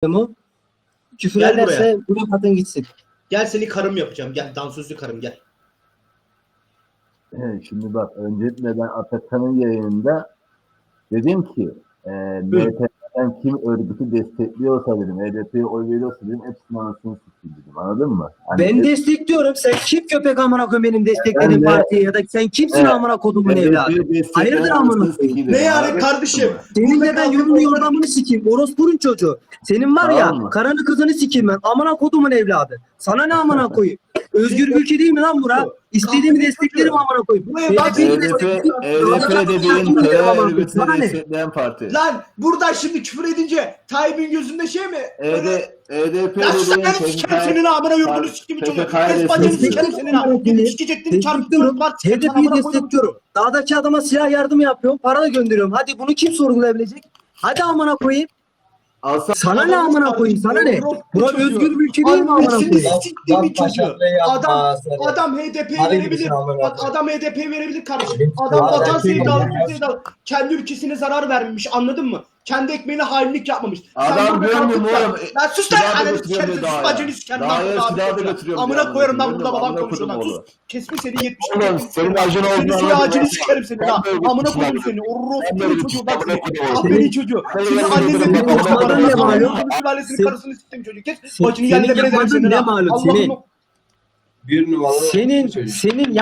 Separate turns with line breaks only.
mu? Küfür
Gel
ederse bırak atın gitsin.
Gel seni karım yapacağım. Gel dansözlü karım gel.
Şimdi bak, öncelikle ben Atakan'ın yayınında dedim ki MHP'den kim örgütü destekliyorsa dedim, HDP'ye oy veriyorsa dedim, hepsinin anasını sikeyim dedim, anladın mı? Hani
Ben destekliyorum. Sen kim köpek amına koyayım benim desteklediğim
Ben de-
partiye ya da sen kimsin amına kodumun evladı? Hayırdır amına koyayım?
Ne yani kardeşim?
Senin de ben yolunu yordamını sikeyim. Orospunun çocuğu. Senin var ya
Tamam mı?
karanı kızını sikeyim ben. Amına kodumun evladı. Sana ne amına koyayım? Özgür bir ülke değil mi lan bura? İstediğimi desteklerim amına koyayım.
HDP dediğin terör örgütünü destekleyen parti.
Lan buradan şimdi küfür edince Tayyip'in gözünde şey mi?
HDP
Ya sus
dediğin
lan sikerim senin amına yurdunu sikimi çocuğu. Kes bacını sikerim senin amına. Sikecektin çarpıtıyorum var.
HDP'yi destekliyorum. Dağdaki adama silah yardım yapıyorum. Para da gönderiyorum. Hadi bunu kim sorgulayabilecek? Hadi amına koyayım. Sana ne amına koyayım? Sana ne? Bura özgür bir ülke değil mi amına koyayım?
Siktiğimin çocuğu. Adam HDP'ye verebilir. Bak adam HDP'ye verebilir kardeşim. Adam vatan sevdalı, sevdalı. Kendi ülkesine zarar vermemiş, anladın mı? Kendi ekmeğine hainlik yapmamış.
Adam görmüyor mu oğlum?
Lan sus lan!
Silahı
Ananı
götürüyor
sikerim,
bir daha
sus
ya.
bacını sikerim.
Daha ya, silahı da götürüyorum
Amına
ya.
koyarım lan burada
Amına
babam konuşuyor lan.
koydum
Sus.
oğlum.
Kesme seni 70.
Oğlum, senin acın
Senin
olduğunu
soy
anladım.
ağacını sikerim seni lan.
Ben de
Amına
öyle
koydum seni. Orospu çocuğu bak seni. Ah
Senin-
beni çocuğu.
Senin-
Senin
Senin-
annenle
Senin-
bir
Senin-
konuşmaların ne
Senin-
malum?
Senin-
Sülalesinin
Senin-
karısını siktim çocuk. Kes.
Senin
Bacını yerle bir ederim
yapmadığın
seni
ne
lan.
malum
Allah'ım.
senin?
Bir numaralı
Senin
çocuk.
senin